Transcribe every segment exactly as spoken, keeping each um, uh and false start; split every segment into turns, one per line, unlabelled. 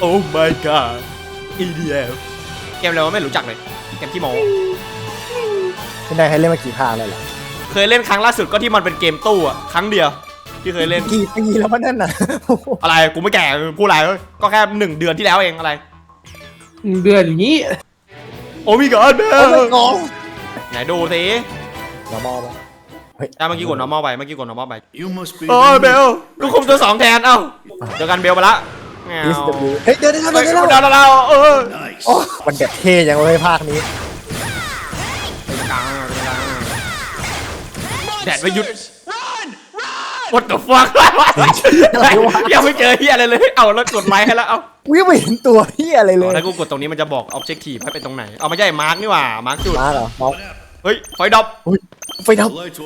โอ้ my god อี ดี เอฟ เกมอะไรวะไม่รู้จักเลยเกมที่โม
ไม่ได้ให้เล่นมากี่ภาคเลยเหรอ
เคยเล่นครั้งล่าสุดก็ที่มันเป็นเกมตู้อะครั้งเดียวที่เคยเล่น
กี่ปีแล้ววะนั่นน่ะ
อะไรกูไม่แก่พูดอะไรก็แค่หนึ่งเดือนที่แล้วเองอะไร
เดือนอย่างนี้
โอ้มีก่อนเบลไหนดูสิ
normal ป่ะ
เฮ้ยเมื่อกี้กด normal ไปเมื่อกี้กด normal ไปโอ้เบลลูกคุมตัวสองแทนเอ้าเจอกันเบลไปละ
เฮ้ยเดี๋ยวเดี๋ยวเดี๋ยว
เดี๋ยวเราเออ
มันแบบเท่ยังเลยภาคนี้
แดดไม่หยุด What the fuck ยังไม่เจอเฮียอะไรเลยเอาแล้วกดไลค์ให้แล้วเอา
วิ่งไม่เห็นตัวเฮียอะไรเลย
ถ้ากูกดตรงนี้มันจะบอก objective ให้เป็นตรงไหนเอาไม่ใช่มาร์กนี่หว่ามาร์กจุด
มาร์กเหรอมาร์ก
เฮ้ยไฟดับ
ไฟดับ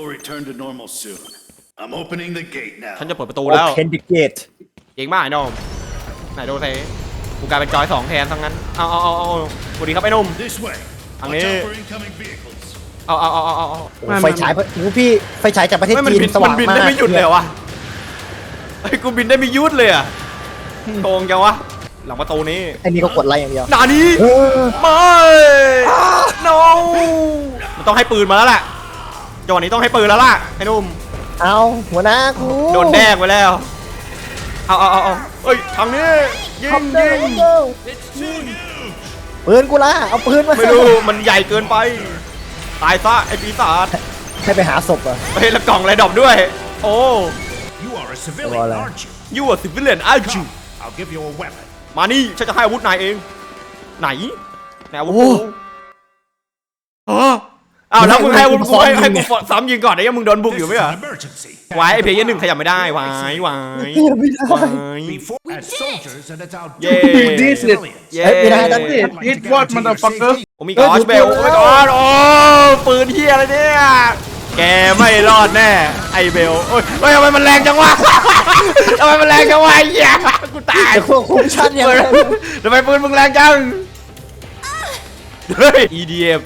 ฉันจะเปิดประตูแล้ว
Open the gate
เก่งมากไอ้น้องไหนดูสิกูกลายเป็นจอยสองแทนทั้งนั้นเอาเอาเอาเอาสวัสดีครับไอ้นุ่มทางนี้เอาเอาเอาเอาเอา
ไฟฉายพี่ไฟฉายจากประเทศจีนสว่างมากมัน
บินได้ไม่หยุดเลยวะไอ้กูบินได้ไม่หยุดเลยอะโกงจังวะหลังประตูนี้
ไอ้นี่ก็กดไลค์อย่างเดียว
นานี้ไม่ no มันต้องให้ปืนมาแล้วแหละจังหวะนี้ต้องให้ปืนแล้วล่ะไอ้นุ่ม
เอาหัวหน้ากู
โดนแดกไปแล้วเอาเอาเอาเอาเฮ้ยทางนี้ยิงยิง
ปืนกูละเอาปืนมา
ไม่รู้มันใหญ่เกินไปตายซะไอ้ปีศาจ
ให้ไปหาศพอะ
เฮ้ยแล้วกล่องอะไรดรอปด้วยโอ้
You are a civilian, aren't you?
You are civilian, aren't you?
I'll give you a weapon.
มานี่ฉันจะให้อาวุธนายเองไหนไหนอาวุธกูอ๋ออ้าวแล้วมึงให้อาวุธกูให้ให้กูซ้ำยิงก่อนไอ้ยังมึงโดนบุกอยู่ไหมอ่ะวายไอ้เพย์หนึ่งขยับไม่ได้วายวายวายเย้เย้
ไม่ได้ตั้งแต่ It what motherfucker
โอ้มีกอชเบลโอ้มีกอชโอ้ปืนเฮียอะไรเนี่ยแกไม่รอดแน่ไอเบลโอ้ยเฮ้ยทำไมมันแรงจังวะทำไมมันแรงจังวะไอ้เหี้ยกูตาย
ควบคุมชั้นยังไง
ทำไมปืนมึงแรงจังเฮ้ย อี ดี เอฟ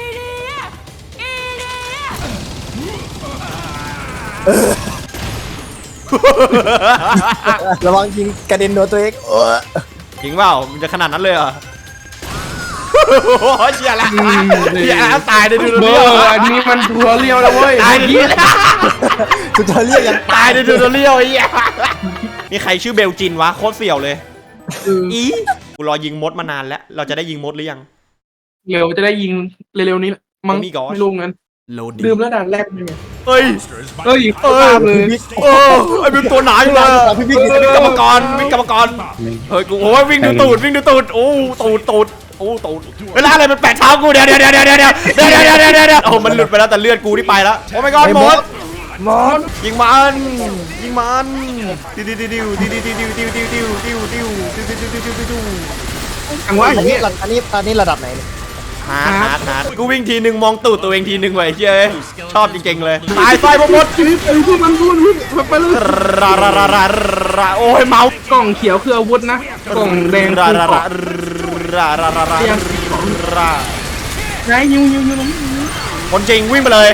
ระวังยิงกระเด็นโดนตัวเอง
จริงเปล่ามันจะขนาดนั้นเลยเหรอโอ้ยเชี่ยละเชี่ยละตายในดูเรียว
อันนี้มันทัวเรียวแล้วเว้ย
ตายดิ
กูทัวเรียวยัง
ตายในดูเรียวไอ้เหี้ยมีใครชื่อเบลจินวะโคตรเสี่ยวเลยอีกูรอยิงมดมานานแล้วเราจะได้ยิงมดหรือยัง
เร็วจะได้ยิงเร็วๆนี้มั้งไม่รู้งั้นลืมแล้วด่านแรกยังไง
เฮ้ย
เฮ้ยเออเลย
โอ้ไอ้เป็นตัวหนาอยู่เลยกรรมกรวิ่งกรรมกรเฮ้ยกูโอ้ยวิ่งดูตูดวิ่งดูตูดโอ้ตูดตูดโอ้ตูดเวลาอะไรมันแปะเท้ากูเดี๋ยวเดี๋ยวเดี๋ยวเดี๋ยวเดี๋ยวเดี๋ยวเดี๋ยวเดี๋ยวเดี๋ยวเดี๋ยวโอ้มันหลุดไปแล้วแต่เลือดกูที่ไปแล้วโอ้ my god หมด
หมด
ยิงมันยิงมันดิวดิวดิวดิวดิวดิวดิวดิวดิวดิวดิวดิวดิวดิวดิวดิวดิว
อันว่าอย่างนี้อันนี้อันนี้ระดับไหน
ฮาร์ดฮาร์ดฮาร์ดกูวิ่งทีหนึ่งมองตูดตัวเองทีหนึ่งไว้เจ้ยชอบจริงๆเลยตายไฟหมด
ไอ้พวกมันพูดวิ่งไปเลย
ราราราราราโอ้ยเมาก
ล่องเขียวคืออาวุธนะกล่องแดง
รารารารารารารารา
ไงยิงยิงยิง
คนจริงวิ่งไปเลย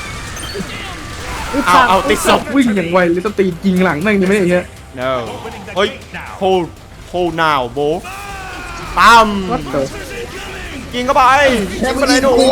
เอาเอาติดศพ
วิ่งอย่างไวเลยต้องตียิงหลังนั่งยังไม่ได้เงี้ย
no เฮ้ย hold hold now bro ตามยิงเข้าไปยิงไปเลยหนู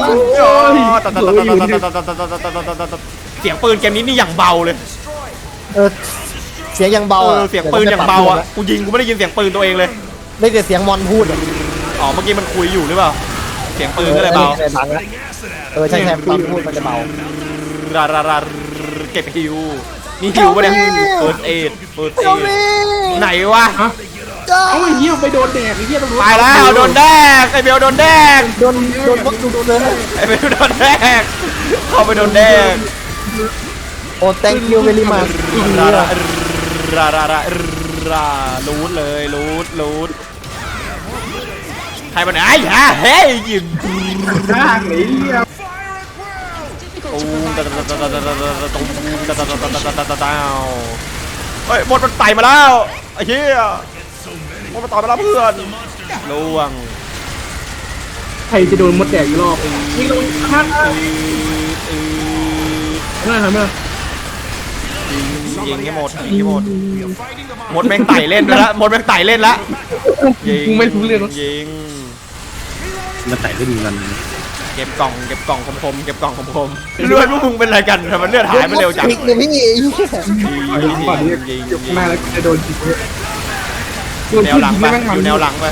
เสียงปืนเกมนี้นี่อย่างเบาเลย
เออเสียงยังเบา
เสียงปืนอย่างเบาอ่ะกูยิงกูไม่ได้ยินเสียงปืนตัวเองเลย
ได้แต่เสียงมอนพูด
อ๋อเมื่อกี้มันคุยอยู่หรือเปล่าเสียงปืนก็เลยเบา
เออใช่ใช่ตอนพูดมันจะเบา
ราราราเก็บฮิวนี่ฮิวปะเนี่ยเปิดเอ็ดเปิดเอ็ดไหนวะ
เอาไอ้เหี้ยไปโดนแดกไอ้เหี้ยตำรวจ
ตายแล้วโดนแดกไอ้เบลโดนแดก
โดนโดนวัดดูโดนเลย
ไอ้เบลโดนแดกเข้าไปโดนแดก
โอ้ thank you very much
ราราราราราราลูดเลยลูดลูดใครมันไอ้ฮะเฮ้ยยิง
ข้างไอ้เหี้ย
ตูมตาตาตาตาตาตาตูมตาตาตาตาตาตาตาเฮ้ยหมดมันไต่มาแล้วไอ้เหี้ยหมดมันต่อมาแล้วเพื่อนล่วง
ใครจะโดนมดแดกอีกรอบยิงลงข้างเออเออไม่ทำไม่
ยิงให้หมดยิงให้หมดหมดแม่งไต่เล่นแล้วหมดแม่งไต่เล่นแล้วยิง
มึงไม่รู้เรื่อง
ยิง
มาไต่ได้ดีกัน
เก็บกล่องเก็บกล่องคมๆเก็บกล่องคมๆเลือดพวกมึงเป็นอะไรกันทำไมเลือดหายไปเร็วจัง
พลิกเลยพี่
เอาหลังก่อนนี่
ยิง
ยก
ยิง
หน้าแล้วจะโดนจิกเลย
อยู่แนวหลังไปอยู่แนวหลังไป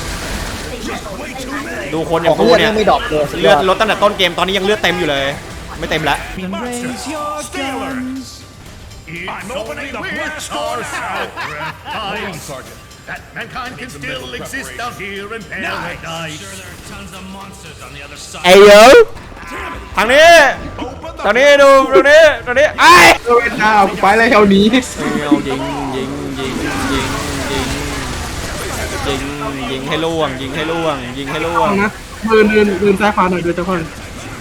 ดูคนอย่า
ของ
งกู
เลือด
เนี่ย
ไม่ดรอปเลย
เลือดลดตั้งแต่ต้นเกมตอนนี้ยังเลือดเต็มอยู่เลย ไม่เต็มแล้ว
Stay alert. I'm opening the blast door now. That mankind can still exist out here in paradise.
ไอ้เยอะทางนี้ทางนี้ดูตรงนี้ตรงนี้ไอ้
เออเจ้ากูไปแล้วแถวนี้
เอายิงยิงยิงยิงยิงยิงยิงให้ล่วงยิงให้ล่วงยิงให้ล่วง
นะเดินเดินเดินซ้ายขวาหน่อยเดินซ้ายขวาหน่อย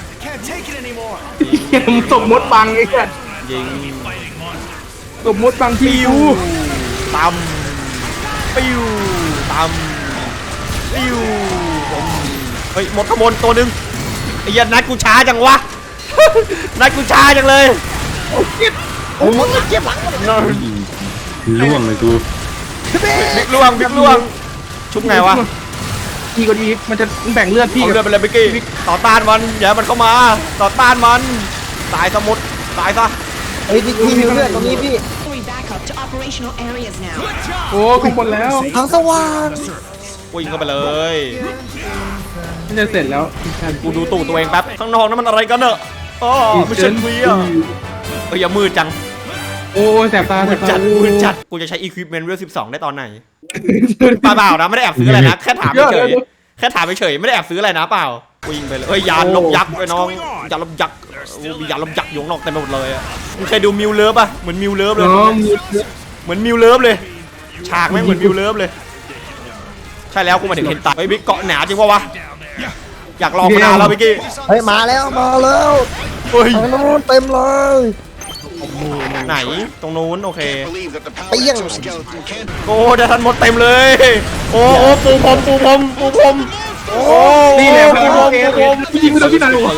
เหี้ยมึงตบมดบังไอ้แค่
ยิง
ตบมดบังที่
ปิ้ว
กู
ตำปิ้วตำปิ้วผมเฮ้ยหมดขบวนตัวหนึ่งไอ้ยันนัดกูช้าจังวะ นัดกูช้าจังเลย
โอ้ยเจ็บหลัง
ล่วงเลยกู
บิ๊กล่วงบิ๊กล่วงชุบไงวะ
ดีกว่าดีมันจะแบ่งเลือดพี่
เอาเลือดไปเลยบิ๊กกี้ต่อต้านมันอย่าให้มันเข้ามาต่อต้านมันตายสมุดตายซะ
เฮ้ยพี่พี่มีเลือดตรงนี้พี่
Going back up to operational areas now.
โอ้ข้างบนแล้ว
ทางสว่าง
วิ่งเข้าไปเลย
มันจะเสร็จแล้ว
กูดูตู่ตัวเองแป๊บข้างนอกนั้นมันอะไรกันเนอะอ๋อไม่ใช่เวียเฮ้ยอย่ามืดจัง
โอ้แสบตาแส
มื
บ
ด
ตา
จัดมืดจัดกูจะใช้อีควิปเมนต์เวลสิบสองได้ตอนไหนเปล่าๆนะไม่ได้แอบซื้ออะไรนะแค่ถามเฉยแค่ถามเฉยไม่ได้แอบซื้ออะไรนะเปล่าวิ่งไปเลยเฮ้ยยานลบยักษ์ไปน้องยานลบยักษ์มียานลบยักษ์อยู่ข้างนอกเต็มไปหมดเลยอ่ะมึงเคยดูมิวเลิฟป่ะเหมือนมิวเลิฟเลย
น้องมี
เหมือนมิวเลิฟเลยฉากแม่งเหมือนมิวเลิฟเลยใช่แล้วกูมาถึงเห็นตาไอ้บิ๊กเกาะหนาจริงปะวะอยากลองมานานแล้วบิ๊กกี้
เฮ้ยมาแล้วมาแล้ว
เฮ้ย
ทางนู้นเต็มเลย
ไหนตรงนู้นโอเค
เปี้ยง
โอ้เดี๋ยวทันหมดเต็มเลย โอ้โอ้ปูพรมปูพรมปูพรมโอ้
นี่แหละ
ปูพรมปูพรม
ยิงไปโดนที่ไหนวะ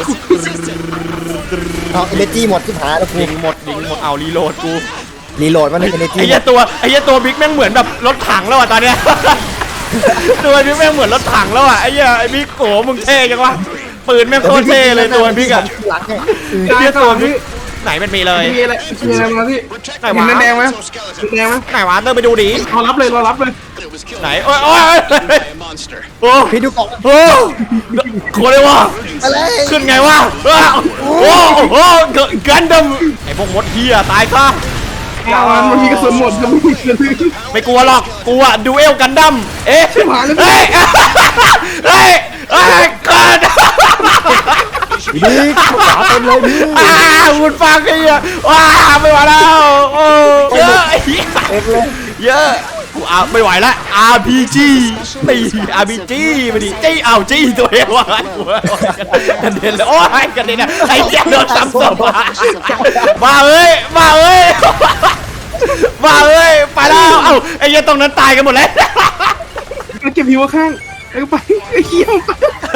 เอาเอเนจีหมดที่หายแล้วกู
ยิงหมดยิงหมดเอารีโหลดกู
รีโหลดมันเอเนจี
ไอ้เหี้ยตัวไอ้เหี้ยตัวบิ๊กแม่งเหมือนแบบรถถังแล้วอ่ะตอนเนี้ย ตัวบิ๊กแม่งเหมือนรถถังแล้วอ่ะไอ้เหี้ยไอ้บิ๊กโอ้มึงเท่จังวะปืนแม่งโคตรเท่เลยตัวบิ๊กอ่ะ
หลังเนี่ย
ไอ้เหี้ยตัวบิ๊กไหนมันมีเลย
มีอะไรมีอะไรมาพี่
ไหน
เห็
วะ
นแดงไหมแดงไหม
ไหนวะเดินไปดูดิ
รอรับเลยรอรับเลย
ไหนโอ้ยโอ้ยโอ้
พี่ดูกล่อง
โอ้โคตรเลยวะ
อะไร
ขึ้นไงวะว้าวโอ้โหกันดัมไอ้พวกมดเฮียตายซะ
เอามันมีกระสุนหมดมันมีกระสุน
ไม่กลัวหรอกกลัวดูเอลกันดัมเอ๊ะ
ชิบหายแล้ว
เฮ้ยเฮ้ยเฮ้ยกัน
พี่ขวาเต็มเลยพี่
อ้าวคุณฟังไอ้เหี้ยว้าไม่ไหวแล้วโอ้เยอะ
เต็มเลย
เยอะกูเอาไม่ไหวแล้ว อาร์ พี จี ตี อาร์ พี จี มาดิจี้เอาจี้ตัวเองวะกระเด็นเลยโอ้ยกระเด็นอะไอ้เหี้ยโดนซ้ำศพมามาเอ้ยมาเอ้ยมาเอ้ยไปแล้วเอ้าไอ้เหี้ยตรงนั้นตายกันหมดแล้ว
เก็บหิวข้างไอ้ไปไอ้เขี้ยวไป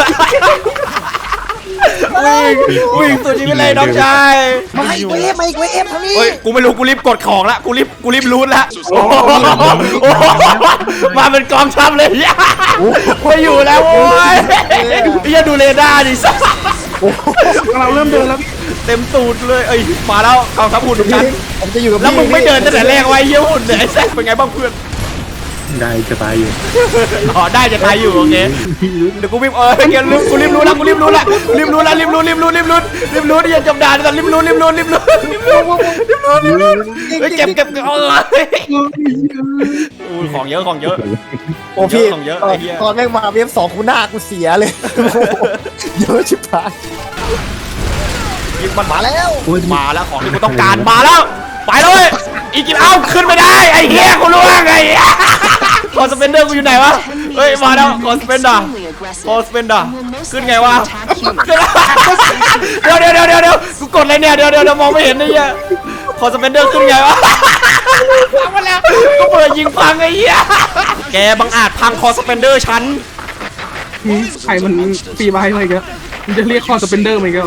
วิ่งวิ่งตัวจริงไปเลยน้องชาย
มาอีกเวฟมาอีกเวฟทางนี้
เฮ้ยกูไม่รู้กูรีบกดของละกูรีบกูรีบรูทละโอ้โหมาเป็นกองทัพเลยไม่อยู่แล้วโว้ยอย่าดูเรดาร์ดิสัส
เราเริ่มเดินแล้ว
เต็มตูดเลยเอ้ยมาแล้วกองทัพหุ่นของฉัน
ผมจะอยู่กับ
แล้ว
พี่
มึงไม่เดินตั้งแต่แรกไว้เยี่ยหุ่นเนี่ยไอ้แซคเป็นไงบ้างเพื่อน
ได้จะตายอยู่
อ๋อได้จะตายอยู่โอเคเดี๋ยวกูรีบเออเกมรีบกูรีบรู้ละกูรีบรู้ละรีบรู้ละรีบรู้รีบรู้รีบรู้รีบรู้อย่าจำด่านแต่รีบรู้รีบรู้รีบรู้รีบรู้รีบรู้รีบรู้เฮ้ยเก็บเก็บเออของเยอะของเยอะ
โอ้พี่
ของเยอะ
ตอ
ไอ้
น
เหี้ย
ตอนแม่งมาเวฟสองกูหน้ากูเสียเลยเยอะชิบหาย
ยิงมัน
มาแล้ว
มาแล้วของที่กูต้องการมาแล้วไปเลยอีกกินเอ้าขึ้นไม่ได้ไอ้เหี้ยกูรู้ว่าไงคอสเปนเดอร์กูอยู่ไหนวะเฮ้ยมาแล้วคอสเปนเดอร์คอสเปนเดอร์ขึ้นไงวะเดี๋ยวเดี๋ยวเดี๋ยวเดี๋ยวเดี๋ยวกูกดอะไรเนี่ยเดี๋ยวเดี๋ยวมองไม่เห็นไอ้เหี้ยคอสเปนเดอร์ขึ้นไงวะพังมาแล้วก็เปิดยิงพังไอ้เหี้ยแกบังอาจพังคอสเปนเดอร์ฉัน
ไข่มันปีใบอะไรกันมึงจะเรียกคอสเปนเดอร์ไหมก็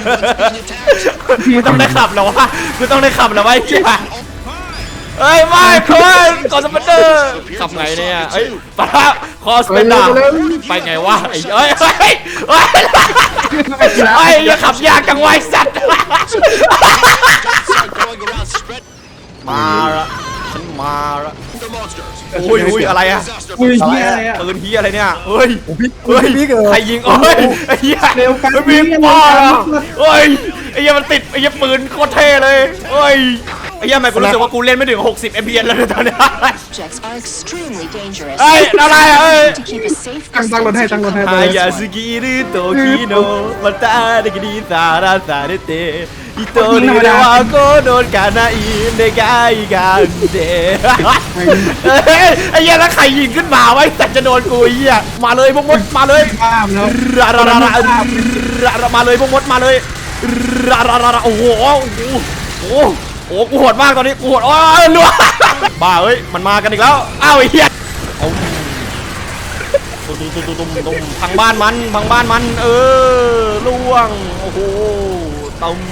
มึงต้องได้ขับแล้ววะมึงต้องได้ขับแล้ววะไอ้เหี้ยเฮ้ยไม่เพื่อนกดสเปนเดอร์ขับไงเนี่ยเฮ้ยปะคอสเปนเดอร์ไปไงวะไอ้เอ้ยเฮ้ยเฮ้ยไอ้อย่าขับยากจังไวะไอ้สัตว์มาละฉันมาละอุ้ยอุ้ยอะไรอะ
อุ้ยเฮียอะไรอ่ะ
ปืนเฮียอะไรเนี่ยเฮ้ย
พี่
เฮ้ย
พี่เกิด
ใครยิงโอ้ยไอ้เหี้ย
เร็วกัน
มันมีป้าเหรอเฮ้ยไอ้เหี้ยมันติดไอ้เหี้ยปืนโคตรเท่เลยเฮ้ยไอ้เหี้ยทำไมกูรู้สึกว่ากูเล่นไม่ถึงหกสิบ เอฟ พี เอส แล้วเนี่ยตอนเนี้ย
Objects are extremely dangerous.
เฮ้ยอะไรอะเอ้ย
To keep a safe
ตั้งตั้งรถให้ตั้งรถให้
ฮายาสกิริโตคิโนมาตาเดกิดิซาราซาเดเตอิโตริเดวาโกโดนกานาอินเดกายกันเดเฮ้ยไอ้เหี้ยแล้วใครยิงขึ้นมาไว้แต่จะโดนกูไอ้เหี้ยมาเลยพวกมดมาเลย
ข้ามแล้ว
รารารารารามาเลยพวกมดมาเลยราราราโอ้โหโอ้โหโอ้โหกูโหดมากตอนนี้กูโหดโอ้ยรัวบ้าเฮ้ยมันมากันอีกแล้วอ้าวไอ้เหี้ยตุ้มตุ้มตุ้มตุ้มตุ้มพังบ้านมันพังบ้านมันเออล่วงโอ้โหตุ้ม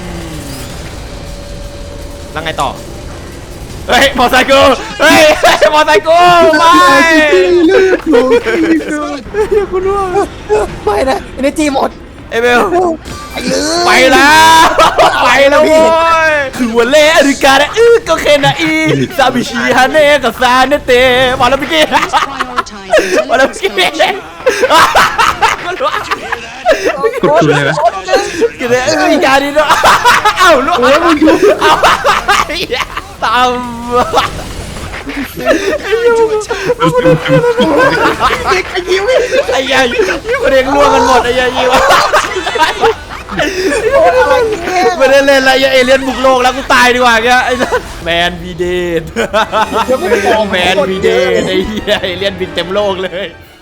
แล้วไงต่อเฮ้ยมอไซค์กูเฮ้ยมอไซค์กูไม่กูร่วง
ไม่นะเอเนจีหมด
เอเบลไปแล้วไปแล้วโว้ยคือวันเล่อริกาเนอื้อก็เคนนะอีซาบิชิฮาเน่กับซาเนเตมาแล้วพี่กี้
prioritize
มาแล้วพี่กี้
intelligence
กดตัวเลยวะ
กินเลยอริกาดิเนาะเอ้าลูกเอาตามไอ้ยัยคนเด็กล่วงกันหมดไอ้ยัยยิวไม่ได้เล่นอะไรเอเลี่ยนบุกโลกแล้วกูตายดีกว่าแกไอ้แมนวีเดนแมนวีเดนไอ้เหี้ยเอเลี่ยนบินเต็มโลกเลย